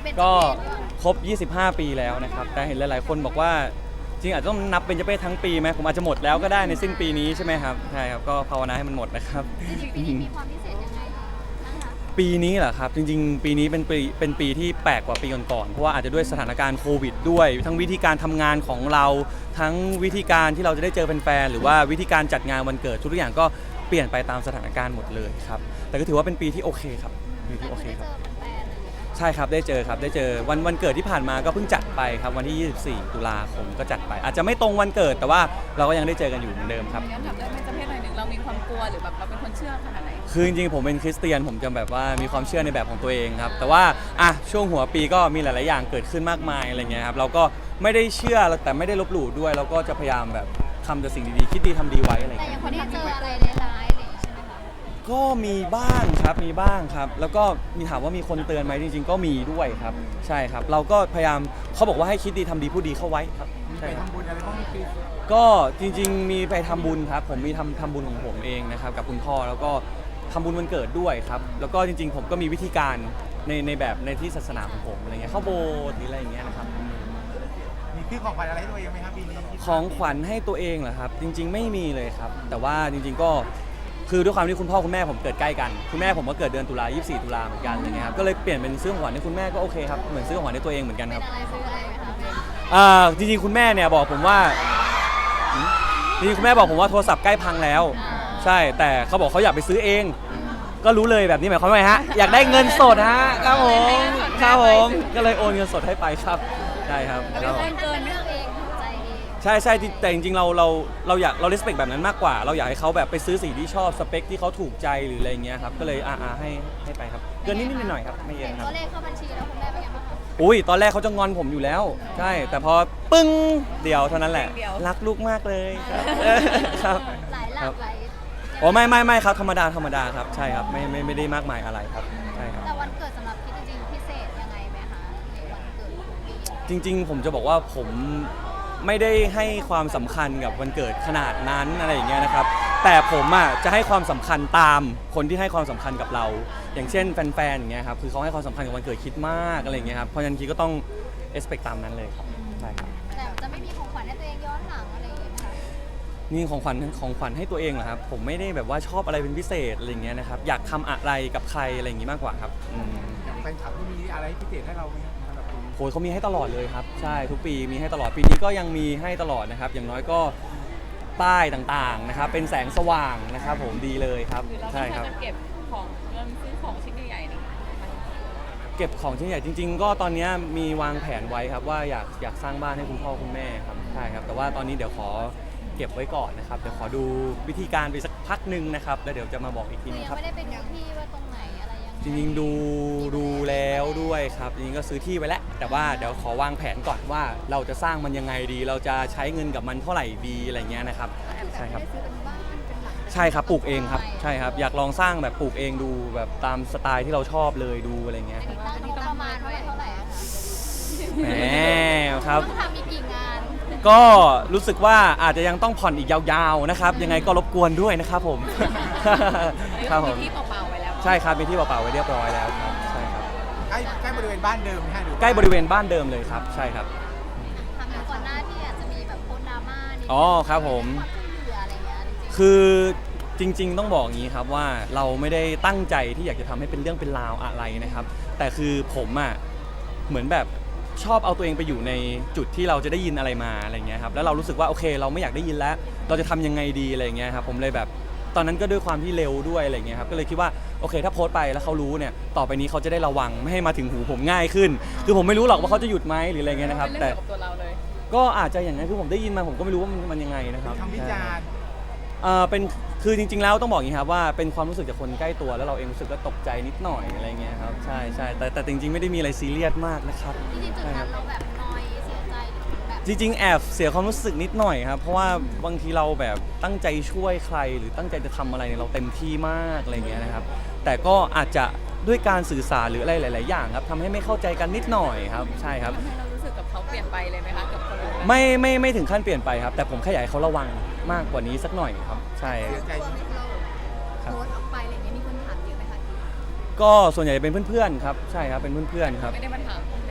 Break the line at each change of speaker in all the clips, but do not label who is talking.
ก็ครบ 25 ปีแล้วนะครับแต่เห็นหลายๆคนบอกว่าจริงอาจจะต้องนับเป็นเจเป้ทั้งปีไหมผมอาจจะหมดแล้วก็ได้ในสิ้นปีนี้ใช่ไหมครับใช่ครับก็ภาวนาให้มันหมดนะครับ
ปีนี้มีความพิเศษยังไงคะ
ปีนี้เหรอครับจริงๆปีนี้เป็นปีที่แปลกกว่าปีก่อนๆเพราะว่าอาจจะด้วยสถานการณ์โควิดด้วยทั้งวิธีการทำงานของเราทั้งวิธีการที่เราจะได้เจอแฟนๆหรือว่าวิธีการจัดงานวันเกิดทุกอย่างก็เปลี่ยนไปตามสถานการณ์หมดเลยครับแต่ก็ถือว่าเป็นปีที่โอเคครับปีที่โอเคครับใช่ครับได้เจอครับได้เจอวันเกิดที่ผ่านมาก็เพิ่งจัดไปครับวันที่ 24 ตุลาคมก็จัดไปอาจจะไม่ตรงวันเกิดแต่ว่าเราก็ยังได้เจอกันอยู่เหมือนเดิมครับ
ย้อนถามได้ไหมจะเพศหน่อยหนึ่งเรามีความกลัวหรือแบบเราเป็นคนเชื่อขนาดไหน
คือจริงๆผมเป็นคริสเตียนผมจะแบบว่ามีความเชื่อในแบบของตัวเองครับแต่ว่าช่วงหัวปีก็มีหลายๆอย่างเกิดขึ้นมากมายอะไรเงี้ยครับเราก็ไม่ได้เชื่อแต่ไม่ได้ลบหลู่ด้วยเราก็จะพยายามแบบทำแต่สิ่งดีๆคิดดีทำดีไว้อะไร
แต่
เงี้ย
ยังพอได้เจออะไรร้ายๆอะไรใช่ไหมคะ
ก็มีบ้างครับมีบ้างครับแล้วก็มีถามว่ามีคนเตือนไหมจริงๆก็มีด้วยครับใช่ครับเราก็พยายามเขาบอกว่าให้คิดดีทำดีพูดดีเข้าไว้ครับใช่ครับ
ทำบุญอะไรบ้างปี
ก็จริงๆมีไปทำบุญครับผมมีทำบุญของผมเองนะครับกับคุณพ่อแล้วก็ทำบุญวันเกิดด้วยครับแล้วก็จริงๆผมก็มีวิธีการในแบบในที่ศาสนาของผมอะไรเงี้ยเข้าโบสถ์หรืออะไรอย่างเงี้ยนะครับ
มีซื้อของขวัญอะไรให้ตัวเองไหมครับปีนี้
ของขวัญให้ตัวเองเหรอครับจริงๆไม่มีเลยครับแต่ว่าจริงๆก็คือด้วยความที่คุณพ่อคุณแม่ผมเกิดใกล้กันคุณแม่ผมก็เกิดเดือนตุลา24 ตุลาเหมือนกันอะไรเงี้ยครับก็เลยเปลี่ยนเป็นซื้อของขวัญให้คุณแม่ก็โอเคครับเหมือนซื้อของขวัญให้ตัวเองเหมือนกันครับ
เป็นอะไรซื้ออะไรไหมคะ
จริงๆคุณแม่เนี่ยบอกผมว่าจริงๆคุณแม่บอกผมว่าโทรศัพท์ใกล้พังแล้วใช่แต่เขาบอกเขาอยากไปซื้อเองก็รู้เลยแบบนี้หมายความว่าไงฮะอยากได้เงินสดฮะครับผมครับผมก็เลยโอนเงินสดให้ไปครับใช่ครับ
เป็นคนเกินเรื่องเองถูกใจเอง
ใช่แต่จริงๆเราอยากเรา respect แบบนั้นมากกว่าเราอยากให้เขาแบบไปซื้อสิ่งที่ชอบสเปคที่เขาถูกใจหรืออะไรเงี้ยครับก็เลยให้ไปครับเกินนิดๆหน่อยๆครับไม่เย
เห็น
อะครับ
ตัวเลขเข้าบัญชีแล้วคุณแม่เป็นยังไงบ้างคะ
อุ้ยตอนแรกเขาจะงอนผมอยู่แล้วใช่แต่พอปึ้งเดียวเท่านั้นแหละรักลูกมากเลยครับครับ
หลายหลักหลาย
อ๋อไม่ครับธรรมดาครับใช่ครับไม่ได้มากมายอะไรครับใช่ครับ
แต่วันเกิดสำหรับพี่จริงๆพิเศษยังไงไหมคะในวันเกิดของปี
จริงๆผมจะบอกว่าผมไม่ได้ให้ความสำคัญกับวันเกิดขนาดนั้นอะไรอย่างเงี้ยนะครับแต่ผมจะให้ความสำคัญตามคนที่ให้ความสำคัญกับเรา อย่างเช่นแฟนๆอย่างเงี้ยครับคือเขาให้ความสำคัญกับวันเกิดคิดมากอะไรอย่างเงี้ยครับเพราะฉะนั้นคิดก็ต้อง expect ตามนั้นเลยครับใช่ครับ
แต่จะไม่มีของขวัญให้ตัวเองย้อนหลังอะไรอย่างเงี้ยไหมคะ
นี่ของขวัญให้ตัวเองเหรอครับผมไม่ได้แบบว่าชอบอะไรเป็นพิเศษอะไรอย่างเงี้ยนะครับอยากทำอะไรกับใครอะไรอย่างงี้มากกว่าครับ
อย่างแฟนคลับที่มีอะไรพิเศษให้เราไหมครับสำหรับปีนี้
โหเขามีให้ตลอดเลยครับใช่ทุกปีมีให้ตลอดปีนี้ก็ยังมีให้ตลอดนะครับอย่างน้อยก็ป้ายต่างๆนะครับเป็นแสงสว่างนะครับผมดีเลยครับ
หรือเรา
ใช่ครับ
จะเก็บของเงินซื้อของชิ้นใหญ่ๆนี่
เก็บของชิ้นใหญ่จริงๆก็ตอนนี้มีวางแผนไว้ครับว่าอยากสร้างบ้านให้คุณพ่อคุณแม่ครับใช่ครับแต่ว่าตอนนี้เดี๋ยวขอเก็บไว้ก่อนนะครับเดี๋ยวขอดูวิธีการไปสักพักหนึ่งนะครับแล้วเดี๋ยวจะมาบอกอีกที
คือ
นึง
ยั
ครับ
งไม่ได้เป็นที่ว่าตรงไหนอะไรยังไง
จริงๆดูแล้วด้วยครับจริงๆก็ซื้อที่ไว้แล้วแต่ว่าเดี๋ยวขอวางแผนก่อนว่าเราจะสร้างมันยังไงดี เราจะใช้เงินกับมันเท่าไหร่ดีอะไรเงี้ยนะครับใช่ครับ
ไม่ได้ซื้อเป็นบ้านเป็นหลัง
ใช่ครับปลูกเองครับใช่ครับอยากลองสร้างแบบปลูกเองดูแบบตามสไตล์ที่เราชอบเลยดูอะไรเงี้ย
อันนี้ตั้งงบประมาณไว้เท่าไหร่อะคะ
แหมครับ
ต้องทำมีกี่งาน
ก็รู้สึกว่าอาจจะยังต้องผ่อนอีกยาวๆนะครับยังไงก็รบกวนด้วยนะครับผม ครับผม
มีที่เปล่าๆไว้แล้ว
ใช่ครับมีที่เปล่าๆไว้เรียบร้อยแล้วครับใช่ครับ
ใกล้บริเวณบ้านเดิมไหมฮะหรือ
ใกล้บริเวณบ้านเดิมเลยครับใช่ครับ
ทำอย่างก่อนหน้าที่อาจจะมีแบบโพสต์ดราม่านิดนึง
อ๋อครับผม
ความช่วยเหลืออะไรเงี้ยจริงๆ
คือจริงๆต้องบอกอย่างนี้ครับว่าเราไม่ได้ตั้งใจที่อยากจะทำให้เป็นเรื่องเป็นราวอะไรนะครับแต่คือผมเหมือนแบบชอบเอาตัวเองไปอยู่ในจุดที่เราจะได้ยินอะไรมาอะไรเงี้ยครับแล้วเรารู้สึกว่าโอเคเราไม่อยากได้ยินแล้วเราจะทำยังไงดีอะไรเงี้ยครับผมเลยแบบตอนนั้นก็ด้วยความที่เร็วด้วยอะไรเงี้ยครับก็เลยคิดว่าโอเคถ้าโพสต์ไปแล้วเขารู้เนี่ยต่อไปนี้เขาจะได้ระวังไม่ให้มาถึงหูผมง่ายขึ้น คือผมไม่รู้หรอกว่าเขาจะหยุดไหมหรืออะไรเงี้ยนะครับ
เป็น
แต่
เรื่องเกี่ยวกับตัวเราเลย
ก็อาจจะอย่างนั้นคือผมได้ยินมาผมก็ไม่รู้ว่ามันยังไงนะครับ
คำวิจารณ์
เป็นคือจริงๆแล้วต้องบอกอย่างนี้ครับว่าเป็นความรู้สึกจากคนใกล้ตัวแล้วเราเองรู้สึกก็ตกใจนิดหน่อยอะไรเงี้ยครับใช่แต่จริงๆไม่ได้มีอะไรซีเรียสมากนะครับ
จริงๆจุดนั้นเราแบบนอยเสียใจหรือแบบ
จริงๆแอบเสียความรู้สึกนิดหน่อยครับเพราะว่าบางทีเราแบบตั้งใจช่วยใครหรือตั้งใจจะทำอะไรเนี่ยเราเต็มที่มากอะไรเงี้ยนะครับแต่ก็อาจจะด้วยการสื่อสารหรืออะไรหลายๆอย่างครับทำให้ไม่เข้าใจกันนิดหน่อยครับใช่ครับ
ทำให้เรารู้สึกกับเขาเปลี่ยนไปเลยไหมคะกับคนอื่น
ไม่ถึงขั้นเปลี่ยนไปครับแต่ผมแค่อยากให้เขาระวังมากกว่านี้สักหน่อยครับใช่
เสียใจ
โพสต์ออกไปอะไรอย่างเงี้ยมีคนถามเยอะไหมคะ
ก็ส่วนใหญ่เป็นเพื่อนๆครับใช่ครับเป็นเพื่อนๆครับ
ไม่ได้มาถาม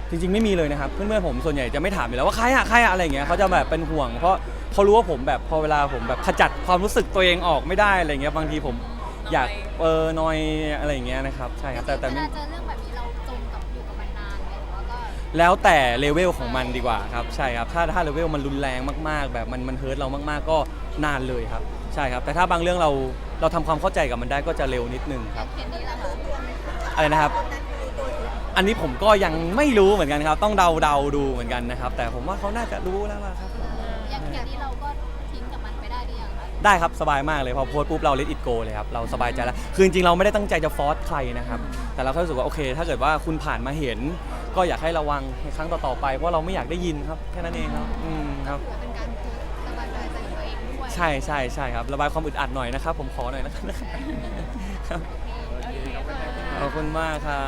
จริงๆไม่มีเลยนะครับเพื่อนๆผมส่วนใหญ่จะไม่ถามอยู่แล้วว่าใครอะอะไรอย่างเงี้ยเขาจะแบบเป็นห่วงเพราะเขารู้ว่าผมแบบพอเวลาผมแบบขจัดความรู้สึกตัวเองออกไม่ได้อะไรเงี้ยบางทีผมอยากนอยอะไรอย่างเงี้ยนะครับใช่ครับแต่
เว
ไม่
ลาเจอเรื่องแบบนี้เราจมกับอยู่กับมันนานไหมหรือว่าก็
แล้วแต่เลเวลของมันดีกว่าครับใช่ครับถ้าเลเวลมันรุนแรงมากๆ แบบมันเฮิร์ตเรามากๆก็นานเลยครับใช่ครับแต่ถ้าบางเรื่องเราทำความเข้าใจกับมันได้ก็จะเร็วนิดนึงครับ
เคสนี้ล่ะคะ
อะไรนะครับ อันนี้ผมก็ยังไม่รู้เหมือนกันครับต้องเดาดูเหมือนกันนะครับแต่ผมว่าเขาน่าจะรู้แล้วล่ะครับ
อย่างเคสนี้เราก็ทิ้งกับมันไปได้หรือยังคะ
ได้ครับสบายมากเลยพอโพสต์ปุ๊บเรา let it go เลยครับเราสบายใจแล้วคือจริงๆเราไม่ได้ตั้งใจจะฟอร์สใครนะครับแต่เราแค่รู้สึกว่าโอเค ถ้าเกิดว่าคุณผ่านมาเห็น ก็อยากให้ระวังในครั้งต่อๆไปเพราะเราไม่อยากได้ยินครับแค่นั้นเองครับครับ
ถือว่าเป็นการโพสต์สบายใจของตัวเองด้วย
ใช่ครับระบายความอึดอัดหน่อยนะครับผมขอหน่อยนะครับ
โอเค
ขอบคุณมากครับ